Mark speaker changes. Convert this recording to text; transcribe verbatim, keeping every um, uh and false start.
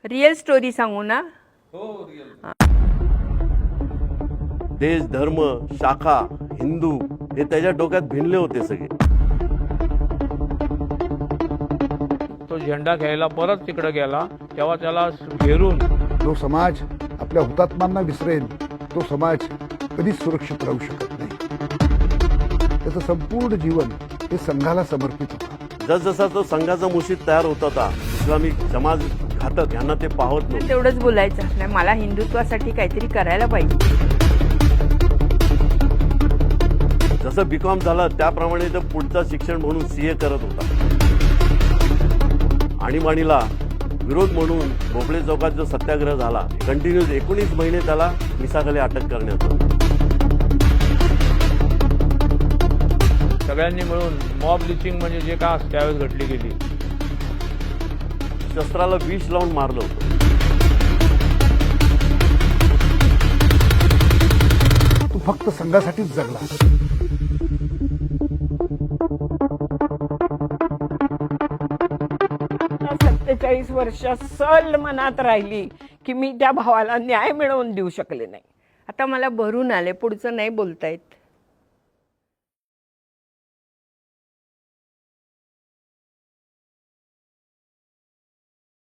Speaker 1: Real story सांगू ना?
Speaker 2: हो रिअल.
Speaker 3: देश, धर्म, शाखा, हिंदू हे त्याच्या डोक्यात भिनले होते सगळे.
Speaker 2: तो झेंडा घ्यायला परत तिकडे गेला तेव्हा त्याला घेरून
Speaker 4: जो समाज आपल्या हुतात्म्यांना विसरेल तो समाज कधीच सुरक्षित राहू शकत नाही. त्याचं संपूर्ण जीवन हे संघाला समर्पित होतं.
Speaker 3: जसजसा तो संघाचा मुशीद तयार होत होता, इस्लामिक समाज घातक यांना ते पाहत नव्हते.
Speaker 1: तेवढंच बोलायचं नाही, मला हिंदुत्वासाठी काहीतरी करायला पाहिजे.
Speaker 3: जसं बीकॉम झालं त्याप्रमाणे तो पुढचं शिक्षण म्हणून सीए करत होता. आणीबाणीला विरोध म्हणून भोपळे चौकात जो सत्याग्रह झाला, कंटिन्यूज एकोणीस महिने त्याला मिसाखाली अटक करण्यात आली.
Speaker 2: सगळ्यांनी मिळून मॉब लिचिंग म्हणजे जे काय असतं त्यावेळेस घडली गेली.
Speaker 3: शस्त्राला विष लावून मारलं होतं.
Speaker 4: तो फक्त संघासाठीच जगला.
Speaker 1: सत्तेचाळीस वर्ष सल मनात राहिली की मी त्या भावाला न्याय मिळवून देऊ शकले नाही. आता मला भरून आले, पुढचं नाही बोलता येत.